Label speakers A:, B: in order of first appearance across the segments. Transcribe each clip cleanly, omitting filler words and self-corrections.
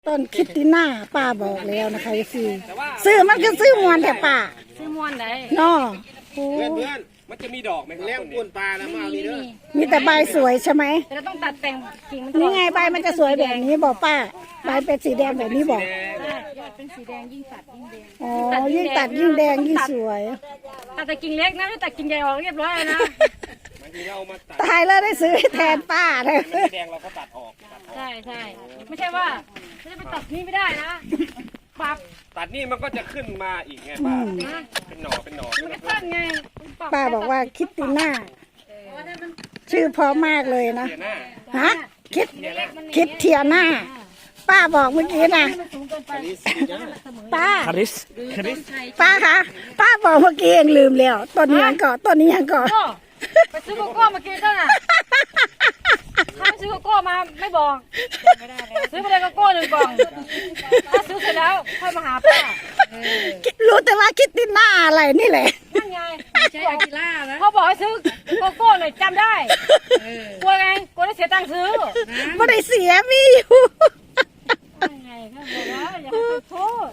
A: ต้นคิตติน่าป้าบอกแล้วนะคะซื้อมันก็ซื้อมวนแต่ป้า
B: ซื้อมวนไหน
A: น้อ
C: เพื่อนมันจะมีดอกไหมเลี้ยงปูนปลาแล้วมาเอานี่เด้อ
A: มีแต่ใบสวยใช่ไหม
B: แต่เราต้องตัดแต่งกิ่งมัน
A: นี่ไงใบมันจะสวยแบบนี้บอกป้าใบเป็นสีแดงแบบนี้บอก
B: ยอดเป็นสีแดงยิ่งตัดยิ่งแดง
A: อ๋อยิ่งตัดยิ่งแดงยิ่งสวย
B: ตัดแต่กิ่งเล็กนะไม่ตัดกิ่งใหญ่ออกเรียบร้อยนะ
A: ตายแล้วได้ซื้อแทนป้าเลย
C: แดงเราก็ตัดออก
B: ใช่ไม่ใช่ว่าจะไปตัดนี่ไม่ได้นะปับ
C: ตัดนี่มันก็จะขึ้นมาอีกไงป้าเป็นหน่อ
B: มันก็ตั้งไง
A: ป้าบอกว่าคิตติน่าชื่อเพราะมากเลยนะฮะคิดเทียน่าป้าบอกเมื่อกี้นะป้าป้าคะป้าบอกเมื่อกี้เองลืมแล้วต้นนี้ยังก่อน
B: ไปซื้อโกโก้มากินก็น่ะถ้าซื้อโกโก้มาไม่บอกซื้อมาเลยโกโก้1 กล่องถ้าซื้อเสร็จแล้วค่อยมาหาป้า
A: รู้แต่ว่าคิตติน่าอะไรนี่แหละ
B: นั่นไงใช่อากิล่านะเขาบอกให้ซื้อโกโก้หน่อยจำได้กลัวไงกลัวได้เสียตังค์ซื้อ
A: ไม่ได้เสียมีอยู่
B: ไงเขาบอกว่าอย่าไปโทษ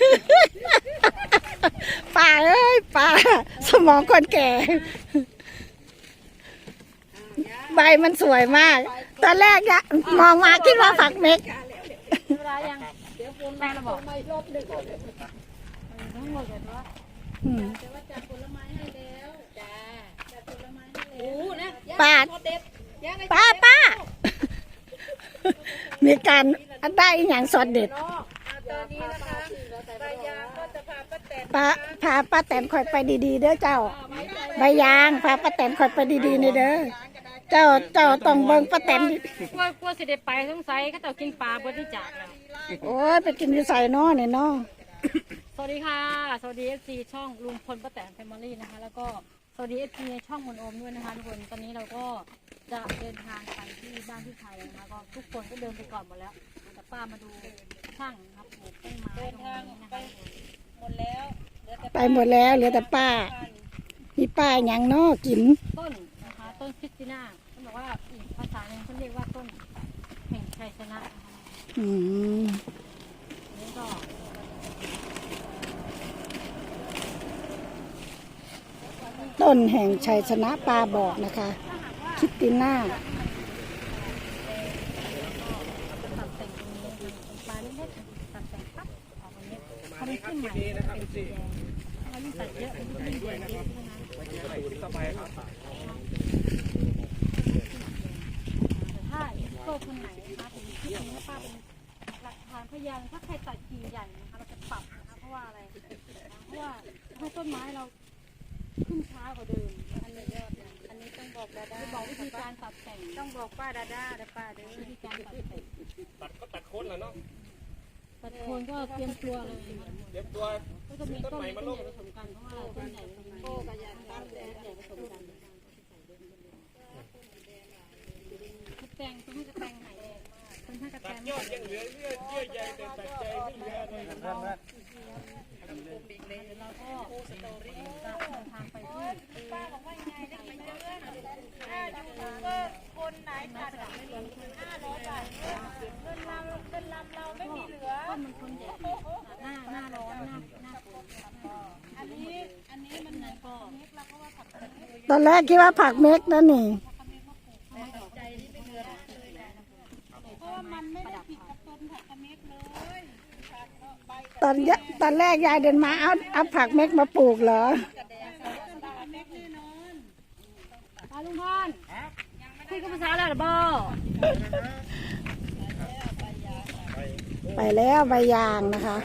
A: ป้าเอ้ยป้าสมองคนแก่ใบมันสวยมากตอนแรกเนี่ยมองมาคิดว่าฝักเม็ก
B: เวลายังแม่เราบอก
A: ป้ามีการได้อย่างสดเด็ดพาป้าแตนคอยไปดีๆเด้อเจ้าใบยางพาป้าแตนคอยไปดีๆนี่เด้อเจ้าต้องเบิ่งป้าแตน
B: กลัวสิได้ไปสงสัยเขาจะกินปลาบนที่จากแล้ว
A: โอ้ยไปกินอยู่ใส่น้อเนี่ยน้อ
B: สวัสดีค่ะสวัสดีFCช่องลุงพลป้าแตนแฟมิลี่นะคะแล้วก็สวัสดีFCในช่องมนโอมด้วยนะคะทุกคนตอนนี้เราก็จะเดินทางไปที่บ้านที่ไทยนะคะก็ทุกคนก็เดินไปก่อนหมดแล้วแต่ป้ามาดูช่างนะครับปลูกต้นไม้ตรงนี้นะคะ
A: หมดแล้วไปหมดแล้วเหลือแต่ป้ามีป้าอย่างน้อกิน
B: ต้นนะคะต้นคริสติน่าเขาบอกว่าอีกภาษาหนึ่งเขาเรียกว่าต้นแห่งชัยชนะนี่ก็
A: ต้นแห่งชัยชนะป้าบอกนะคะคิตติน่า
B: ตัดแต่งตรงนี้ปลาเล็กๆตัดแต่งปั๊บออกมาเนี้ยเขาไม่ขึ้นใหม่เป็นสีแดงเขายิ่งตัดเยอะยิ่งแดงเยอะนะถ้าโตคนไหนนะคะผมคิดว่าป้าเป็นหลักฐานพยานถ้าใครตัดกิ่งใหญ่นะคะเราจะปรับนะคะเพราะว่าอะไรเพราะว่าให้ต้นไม้เราขึ้นช้ากว่าเดิมอันนี้ต้องบอกดาด้าบอกวิธีการตัดแต่งต้องบอกป้าดาด้าและป้าเด้อวิธีการตัดแต่ง
C: ตัดโคนแล้วเนาะ
B: ตัดโคนก็เตรียมตัวเลย
C: เตรียมตัว
B: ก็จะมีต้นใหญ่ผสมกันเพราะว่าต้นใหญ่โตกับยางต้นใหญ่ผสมกันแต่งต้องให้แต่งไหนต้องให้แต่ง
C: ยอดยังเหลือเยื่อใยแต่ตัดใจไม่เหลือเลย
B: เราก็จะเดินทางไปที่ป้าบอกว่าไงได้ยินเรื่องคนไหนตัด500 บาทเงินเราไม่มีเหลือมันคนใหญ่หน้าร้อนหน้าฝนอันนี้มันไหนก็
A: ตอนแรกคิดว่าผักเม็กนั่นนี่ตอนแรกยายเดินมาเอาผักเม็กมาปลูกเหรอ
B: ลุงพรคุยกับภาษาอะไรหรอบ่
A: ไปแล้วใบยางนะคะ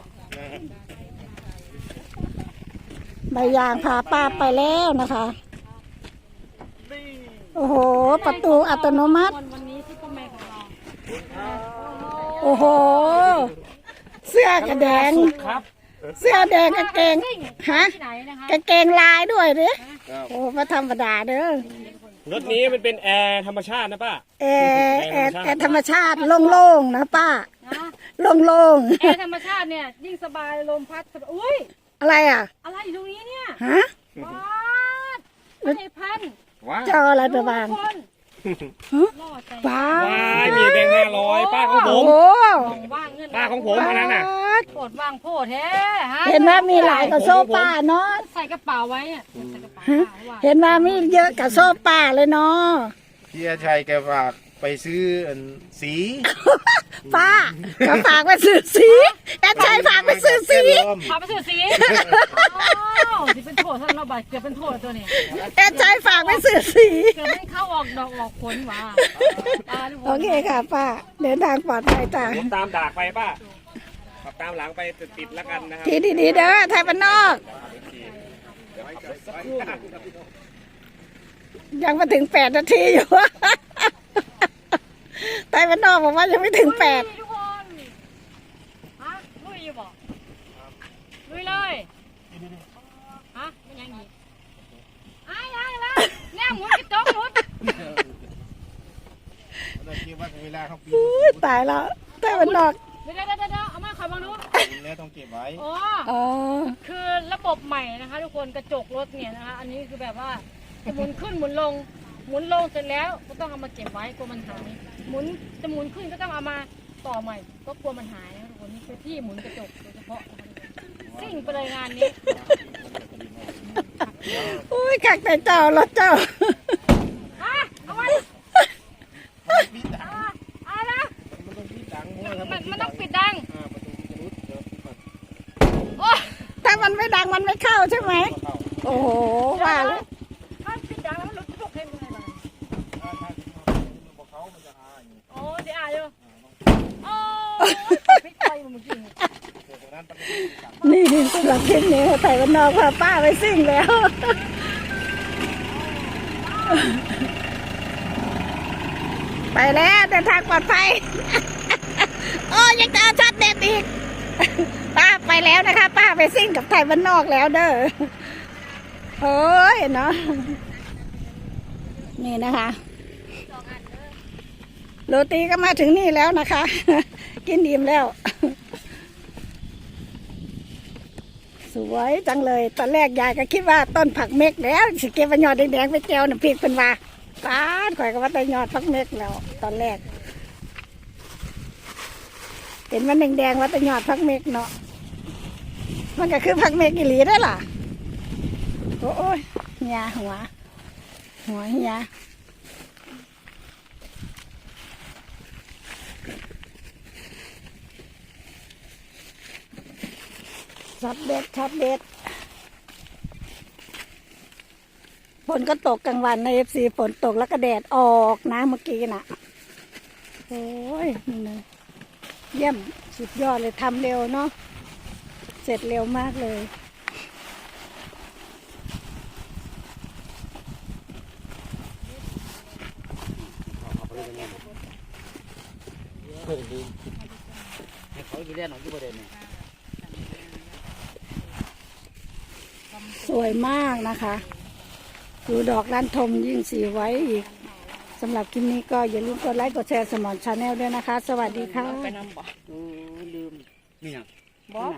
A: ใบยางพาป้าไปแล้วนะคะโอ้โหประตูอัตโนมัติโอ้โหเสื้อกระแดงเสื้อแดงกางเกงฮะกางเกงลายด้วยดิโอ้มาธรรมดาเด้อ
C: รถนี้มันเป็นแอร์ธรรมชาตินะป้า
A: แอร์ธรรมชาติโล่งๆนะป้าโล่ง
B: ๆแอร์ธรรมชาติเนี่ยยิ่งสบายลมพัดอุ้ย
A: อะไรอ่ะ
B: อะไรอยู่ตรงนี้เนี่ย
A: ฮะ
B: ว้าไม่ใช่พัน
A: เจ้าอะไรไปบ้าง
B: ล่อใจ
A: ป้า
C: ว้ายมีแบงค์500ป้าของผ
A: โอ้
C: ม
A: โห
B: ว่างเงิน
C: ป้าของผมอันนั้นน่ะ
B: โผดว่างโพดแท้ฮะ
A: เห็นว่ามีหลายกับโซ่ป้าเนาะ
B: ใส่กระเป๋าไว้อะใส่กระเป๋าป้าว่า
A: เห็นว่ามีเยอะกับโซ่ป้าเลยเนาะ
D: พี่อาชัยแกฝากไปซื้ออันสี
A: ป้าก็ฝากไปซื้อสีแอดชัยฝากไปซื้อสี
B: พาไปซื้อสีอ้าวที่เป็นโทษท่านเราบาดเกือบเป็นโทษตัวนี้
A: แอดชัยฝากไปซื้อสี
B: เกือบไม่เข้าออกดอกออกผลว่ะ
A: โอเคค่ะป้าเดินทางปลอดภัยจ้ะ
C: ผมตามดากไปป้าขับตามหลังไปติดๆแล้วกันนะครับ
A: ทีดีๆเด้อไทยบ้านนอก ยังมาถึง8 นาทีอยู่ ไทยบ้านนอกบอกว่ายังไม่ถึง8
B: ทุกคนฮะลุยอยู่บ่ลุยเลยฮะไม่ยังอีกอ้ายแล้วเนี่ยหมุนกระจกหมุน
D: เราคิดว่าเวลาเขาปีน
A: อุ๊ยตายแล้วไทยบ้านนอก
B: เดี๋ยวเอามาขอบังดู
D: แล้วต้องเก็บไว้
B: อ๋อ
A: อ๋อ
B: คือระบบใหม่นะคะ ทุกคนกระจกรถเนี่ยนะคะ อันนี้คือแบบว่าจะหมุนขึ้นหมุนลงเสร็จแล้วก็ต้องเอามาเก็บไว้กลัวมันหายหมุนขึ้นก็ต้องเอามาต่อใหม่ก็กลัวมันหายนะคะทุกคนนี่คือที่หมุนกระจกโดยเฉพาะนะคะทุกคนซิ่งไปเลยงานนี้
A: อุ้ยกักแต่เจ้ารถเจ้า
B: อ่ะเอาไว้อะไรนะ
D: มันต้องปิดดังมั้ง
B: มันต้องปิดดัง
D: ประตูจะรุดเดี๋ยว
B: โอ้
A: ถ้ามันไม่ดังมันไม่เข้าใช่ไหม
D: เข้า
A: โอ้โหว่าแล้ว
B: ถ้าปิดดังแล้วมันลุกทุกเพลงยังไงบ้าง
D: ถ้าบอกเขามันจะหาอย่างนี้
B: โอ้เดี๋ยวอ่านอยู่โอ้พี่ใจเมื่อกี้
D: เดี๋ยวตรงนั้นประตูสั่ง
A: นี่สำหรับคลิปนี้ไทยบ้านนอกพาป้าไปซิ่งแล้ว ไปแล้วเดินทางปลอดภัย โอ้ยังจะเอาชัดเด็ดอีก ป้าไปแล้วนะคะ ป้าไปซิ่งกับไทยบ้านนอกแล้วเด้อโอ้ยเนาะนี่นะคะโรตีก็มาถึงนี่แล้วนะคะ กินอิ่มแล้ว สวยจังเลยตอนแรกยายก็คิดว่าต้นผักเม็กแล้วสิเก็บไปยอดแดงๆไปแก้วน้ำพริกเป็นว่าป้าดข่อยก็ว่าแต่ยอดผักเม็กแล้ว ตอนแรก เห็นมันแดงๆว่าแต่ยอดผักเม็กเนาะมันก็คือผักเม็กอีหลีได้อล่ะโอ้ยเหียหัวเหียช็อตเด็ดฝนก็ตกกลางวันในFCฝนตกแล้วก็แดดออกนะเมื่อกี้น่ะโอ้ยนี่นะเยี่ยมสุดยอดเลยทำเร็วเนาะเสร็จเร็วมากเลยสวยมากนะคะดูดอกลั่นทมยิ่งสีไว้อีกสำหรับคลิปนี้ก็อย่าลืมกดไลค์กดแชร์สมอนชาแนลด้วยนะคะ สวัสดีค่ะ
B: ไปนำบ่
D: นี่ยัง
B: บอก